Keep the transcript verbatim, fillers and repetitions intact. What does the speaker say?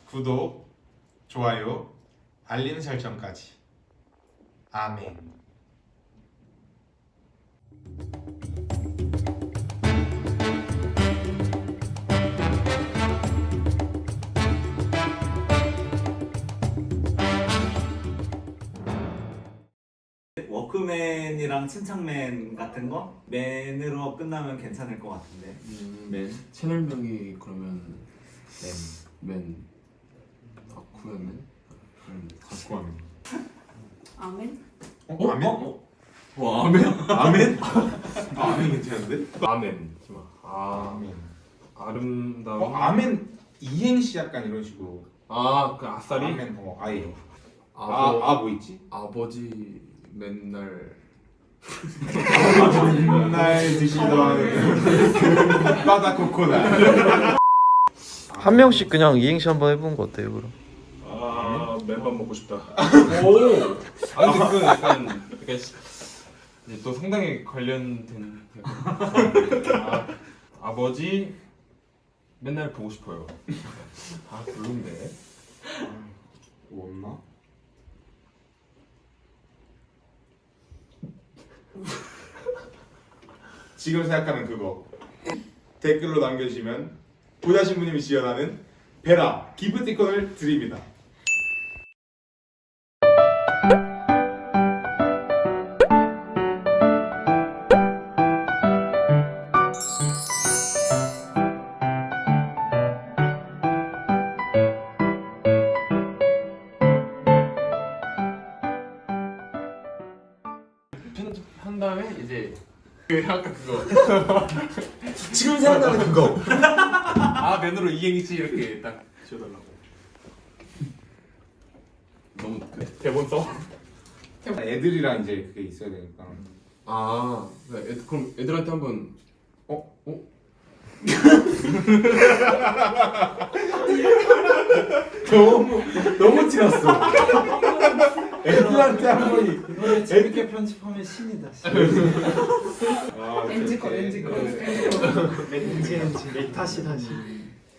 구독, 좋아요, 알림 설정까지. 아멘. 워크맨이랑 침착맨 같은 거 맨으로 끝나면 괜찮을 것 같은데. 음, 맨. 채널명이 그러면 맨. 맨 다쿠야맨? 음, 다쿠아멘. 아멘? 어? 아멘? 어? 어 아멘? 아멘? 아, 아멘 괜찮은데? 아멘. 아 아멘. 아름다운. 어, 아멘 이행시 약간 이런 식으로. 아그 아싸리. 아멘. 어, 아예. 아버, 아, 아, 뭐 있지? 아버지 맨날 맨날 드시던 바다 코코넛. 한 명씩 그냥 이행시 한번 해보는 거 어때요, 그럼? 아 맨밥 먹고 싶다. 오. 아 근데 그 약간 이게 이제 또 상당히 관련된. 아, 아버지 맨날 보고 싶어요. 아 별론데. 뭐 없나? 지금 생각하는 그거 댓글로 남겨주시면 보다 신부님이 지원하는 베라 기프티콘을 드립니다. 편집한 다음에 이제 그 아까 그거 지금 생각나는 그거. 아 맨으로 이행시 이렇게 딱 지어달라고. 너무 그 대본 써? 애들이랑 이제 그게 있어야 되니까. 아 네, 애, 그럼 애들한테 한번 어? 어? 너무 너무 티났어. 애들한테 한 번이. 이번에 재밌게 편집하면 신이다. 아, 엔지 거 그렇게. 엔지 거 네. 엔지 엔지 메타시 다시.